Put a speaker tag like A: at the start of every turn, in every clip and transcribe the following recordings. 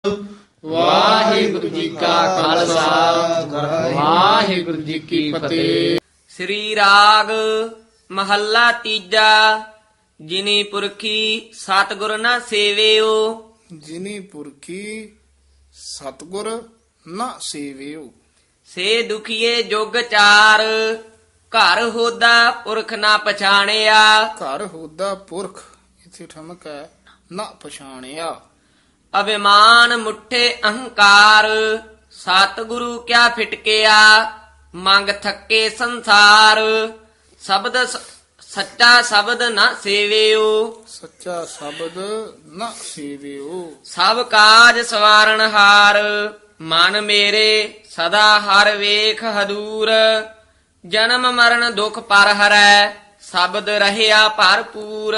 A: ਵਾਹਿਗੁਰੂ ਜੀ ਕਾ ਖਾਲਸਾ ਵਾਹਿਗੁਰੂ ਜੀ ਕੀ ਫਤਿਹ।
B: ਸ੍ਰੀ ਰਾਗ ਮਹੱਲਾ ਤੀਜਾ। ਜਿਨੀ ਪੁਰਖੀ ਸਤਿਗੁਰ ਨਾ ਸੇਵਿਓ।
A: ਜਿਨੀ ਪੁਰਖੀ ਸਤਿਗੁਰ ਨਾ ਸੇਵਿਓ।
B: ਸੇ ਦੁਖੀਏ ਜੁਗ ਚਾਰ। ਘਰ ਹੋਦਾ ਪੁਰਖ ਨਾ ਪਛਾਣਿਆ।
A: ਘਰ ਹੋਦਾ ਪੁਰਖ ਇਥੇ ਠਮਕ ਹੈ ਨਾ ਪਛਾਣਿਆ।
B: ਅਭਿਮਾਨ ਮੁੱਠੇ ਅਹੰਕਾਰ। ਸਤਿਗੁਰੂ ਕਿਆ ਫਿਟਕਿਆ। ਮੰਗ ਥੱਕੇ ਸੰਸਾਰ। ਸ਼ਬਦ ਸੱਚਾ ਸ਼ਬਦ ਨਾ ਸੇਵਿਓ।
A: ਸੱਚਾ ਸ਼ਬਦ ਨਾ ਸੇਵਿਓ।
B: ਸਭ ਕਾਜ ਸਵਾਰਨ ਹਾਰ। ਮਨ ਮੇਰੇ ਸਦਾ ਹਰ ਵੇਖ ਹਦੂਰ। ਜਨਮ ਮਰਨ ਦੁਖ ਪਰ ਹਰੈ। ਸ਼ਬਦ ਰਹਿਆ ਭਰਪੂਰ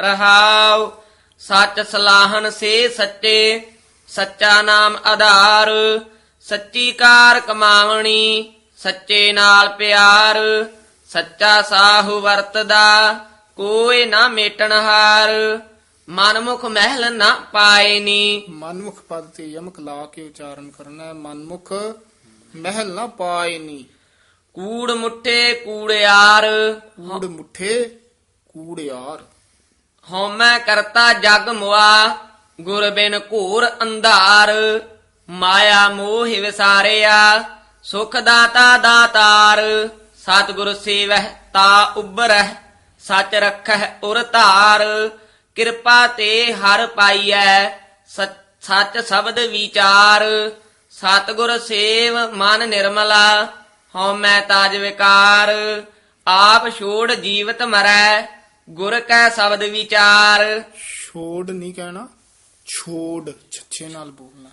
B: ਰਹਾਉ। ਸੱਚ ਸਲਾਹਨ ਸੇ ਸੱਚੇ। ਸੱਚਾ ਨਾਮ ਆਧਾਰ। ਸੱਚੀ ਕਾਰ ਕਮਾਵਣੀ। ਸੱਚੇ ਨਾਲ ਪਿਆਰ। ਸੱਚਾ ਸਾਹੂ ਵਰਤਦਾ ਕੋਈ ਨਾ ਮੇਟਣ ਹਾਰ। ਮਨਮੁਖ ਮਹਿਲ ਨਾ ਪਾਇਨੀ।
A: ਮਨਮੁਖ ਪਦ ਤੇ ਯਮਕ ਲਾ ਕੇ ਉਚਾਰਨ ਕਰਨਾ ਹੈ। ਮਨਮੁਖ ਮਹਿਲ ਨਾ ਪਾਇਨੀ।
B: ਕੂੜ ਮੁੱਠੇ ਕੂੜਿਆਰ।
A: ਕੂੜ ਮੁੱਠੇ ਕੂੜਿਆਰ।
B: ਹਉਮੈ ਕਰਤਾ ਜਗ ਮੁਆ। ਗੁਰ ਬਿਨ ਘੋਰ ਅੰਧਾਰ। ਮਾਇਆ ਮੋਹ ਵਿਸਾਰਿਆ। ਸੁਖ ਦਾਤਾ ਦਾਤਾਰ। ਸਤਿਗੁਰ ਸੇਵਹਿ ਤਾ ਉਬਰਹਿ। ਸਚ ਰਖਹਿ ਉਰ ਧਾਰ। ਕਿਰਪਾ ਤੇ ਹਰ ਪਾਈਐ। ਸੱਚ ਸ਼ਬਦ ਵਿਚਾਰ। ਸਤਿਗੁਰ ਸੇਵ ਮਨ ਨਿਰਮਲਾ। ਹਉਮੈ ਤਾਜ ਵਿਕਾਰ। ਆਪ ਛੋੜ ਜੀਵਤ ਮਰੈ। ਗੁਰ ਕੈ ਸ਼ਬਦ ਵਿਚਾਰ।
A: ਛੋੜ ਨਹੀਂ ਕਹਿਣਾ, ਛੋੜ ਛੱਛੇ ਨਾਲ ਬੋਲਣਾ।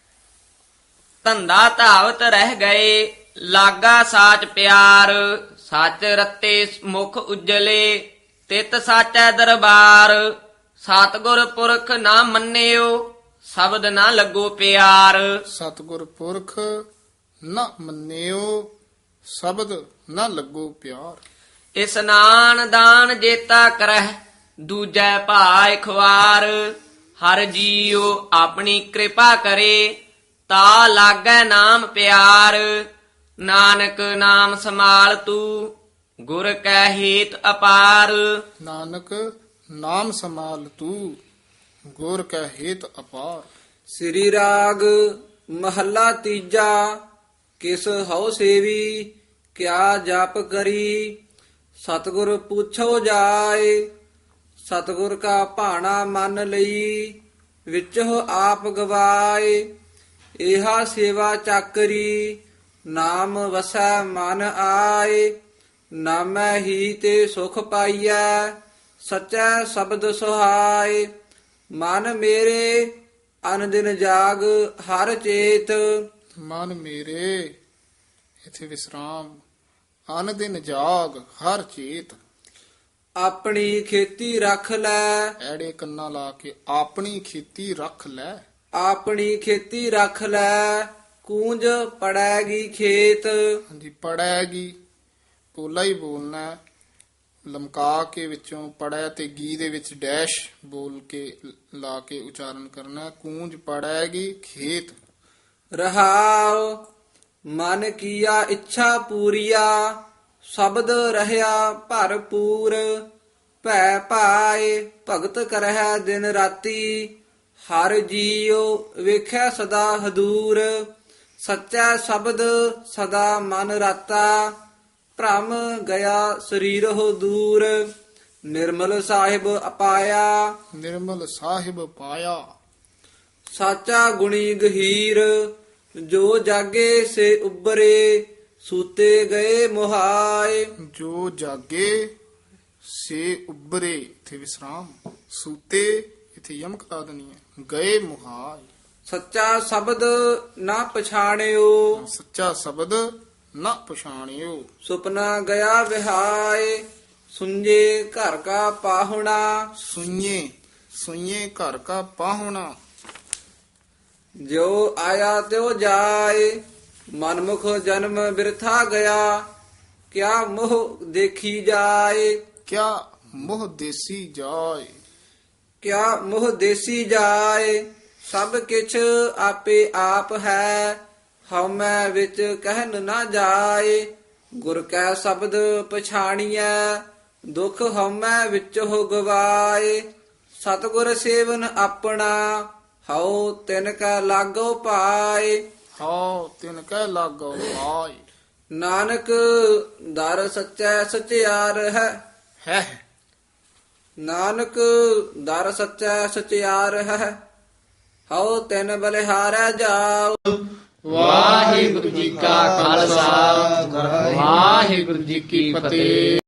B: ਧੰਦਾ ਧਾਵਤ ਰਹਿ ਗਏ। ਲਾਗਾ ਸਾਚ ਪਿਆਰ। ਸੱਚ ਰਤੇ ਮੁਖ ਉਜਲੇ। ਤਿਤ ਸਾਚੈ ਦਰਬਾਰ। ਸਤਿਗੁਰ ਪੁਰਖ ਨਾ ਮੰਨਿਓ। ਸ਼ਬਦ ਨਾ ਲੱਗੋ ਪਿਆਰ।
A: ਸਤਿਗੁਰ ਪੁਰਖ ਨਾ ਮੰਨਿਓ। ਸ਼ਬਦ ਨਾ ਲੱਗੋ ਪਿਆਰ।
B: ਇਸਨਾਨ ਦਾਨ ਜੇਤਾ ਕਰਹਿ। ਦੂਜੈ ਭਾਇ ਖਵਾਰ। ਹਰ ਜੀਉ ਆਪਣੀ ਕਿਰਪਾ ਕਰੇ। ਤਾ ਲਾਗੈ ਨਾਮ ਪਿਆਰ। ਨਾਨਕ ਨਾਮ ਸਮਾਲ ਤੂ। ਗੁਰ ਕੈ ਹੇਤ ਅਪਾਰ।
A: ਨਾਨਕ ਨਾਮ ਸੰਭਾਲ ਤੂੰ। ਗੁਰ ਕੈ ਹੇਤ ਅਪਾਰ।
C: ਸ੍ਰੀ ਰਾਗ ਮਹੱਲਾ ਤੀਜਾ। ਕਿਸ ਹਉ ਸੇਵੀ ਕਿਆ ਜਪ ਕਰੀ। ਸਤਿਗੁਰ ਪੁੱਛੋ ਜਾਏ। ਸਤਿਗੁਰ ਕਾ ਭਾਣਾ ਮੰਨ ਲਈ। ਵਿੱਚੋ ਆਪ ਗਵਾਏ। ਇਹਾ ਸੇਵਾ ਚਾਕਰੀ। ਨਾਮ ਵਸੈ ਮਨ ਆਏ। ਨਾਮੈ ਹੀ ਤੇ ਸੁਖ ਪਾਈਐ। ਸਚੈ ਸ਼ਬਦ ਸੁਹਾਏ। ਮਨ ਮੇਰੇ ਅਨ ਦਿਨ ਜਾਗ ਹਰ ਚੇਤ।
A: ਮਨ ਮੇਰੇ ਇਥੇ ਵਿਸਰਾਮ। ਅਨ ਦਿਨ ਜਾਗ ਹਰ ਚੇਤ।
C: ਆਪਣੀ ਖੇਤੀ ਰੱਖ ਲੈ।
A: ਐੜੇ ਕੰਨਾ ਲਾ ਕੇ ਆਪਣੀ ਖੇਤੀ ਰੱਖ ਲੈ।
C: ਆਪਣੀ ਖੇਤੀ ਰੱਖ ਲੈ। ਕੂੰਜ ਪੜੈਗੀ ਖੇਤ।
A: ਹਾਂਜੀ, ਪੜੈਗੀ ਪੋਲਾ ਹੀ ਬੋਲਣਾ ਹੈ। ਲਮਕਾ ਕੇ ਵਿੱਚੋਂ ਪੜੈ ਤੇ ਗੀ ਦੇ ਵਿੱਚ ਡੈਸ਼ ਬੋਲ ਕੇ ਲਾ ਕੇ ਉਚਾਰਨ ਕਰਨਾ ਹੈ। ਕੂੰਜ ਪੜੈਗੀ ਖੇਤ।
C: ਰਹਾਉ ਮਨ ਕੀਆ ਇੱਛਾ ਪੂਰੀਆ। ਸ਼ਬਦ ਰਹਿਆ ਭਰਪੂਰ। ਭੈ ਭਾਏ ਭਗਤ ਕਰਹਿ ਦਿਨ ਰਾਤੀ। ਹਰ ਜੀਉ ਵੇਖੈ ਸਦਾ ਹਦੂਰ। ਸੱਚਾ ਸ਼ਬਦ ਸਦਾ ਮਨ ਰਾਤਾ। ਭ੍ਰਮ ਗਿਆ ਸਰੀਰਹੁ ਦੂਰ। ਨਿਰਮਲ ਸਾਹਿਬ ਅਪਾਇਆ।
A: ਨਿਰਮਲ ਸਾਹਿਬ ਪਾਇਆ।
C: ਸਾਚਾ ਗੁਣੀ ਗਹੀਰ। ਜੋ ਜਾਗੇ ਸੇ ਉਬਰੇ। ਸੂਤੇ ਗਏ ਮੁਹਾਏ।
A: ਜੋ ਜਾਗੇ ਸੇ ਉਬਰੇ ਇਥੇ ਵਿਸਰਾਮ। ਸੂਤੇ ਇਥੇ ਯਮਕ ਲਾ ਦੇਣੀ ਹੈ। ਗਏ ਮੁਹਾਏ।
C: ਸੱਚਾ ਸ਼ਬਦ ਨਾ ਪਛਾਣਿਓ।
A: ਸੱਚਾ ਸ਼ਬਦ ਨਾ ਪਛਾਣਿਓ।
C: ਸੁਪਨਾ ਗਿਆ ਵਿਹਾਏ। ਸੁੰਜੇ ਘਰ ਕਾ ਪਾਹੁਣਾ।
A: ਸੁਈਏ ਸੁਈਏ ਘਰ ਕਾ ਪਾਹੁਣਾ।
C: ਜੋ ਆਇਆ ਤਿਉ ਜਾਏ। ਮਨਮੁਖ ਜਨਮ ਬਿਰਥਾ ਗਿਆ। ਕਿਆ ਮੋਹ ਦੇਖੀ ਜਾਏ।
A: ਕਿਆ ਮੋਹ ਦੇਸੀ ਜਾਏ।
C: ਕਿਆ ਮੋਹ ਦੇਸੀ ਜਾਏ। ਸਭ ਕਿਛ ਆਪੇ ਆਪ ਹੈ, ਹਉਮੈ ਵਿੱਚ ਕਹਿਨ ਨਾ ਜਾਏ। ਗੁਰ ਕੈ ਸ਼ਬਦ ਪਛਾਣੀਐ, ਦੁਖ ਹਉਮੈ ਵਿੱਚ ਹੋ ਗਵਾਏ। ਸਤਿਗੁਰ ਸੇਵਨ ਆਪਣਾ, ਹਉ ਤਿਨ ਕੈ ਲਾਗੋ ਪਾਏ।
A: ਹਉ ਤਿਨ ਕੈ ਲਾਗੋ ਪਾਈ।
C: ਨਾਨਕ ਦਰ ਸੱਚੈ ਸਚਿਆਰ ਹੈ,
A: ਹੈ
C: ਨਾਨਕ ਦਰ ਸੱਚੈ ਸਚਿਆਰ ਹੈ, ਹਉ ਤਿਨ ਬਲਿਹਾਰੈ ਜਾਉ।
A: ਵਾਹਿਗੁਰੂ ਜੀ ਕਾ ਖਾਲਸਾ ਵਾਹਿਗੁਰੂ ਜੀ ਕੀ ਫਤਿਹ।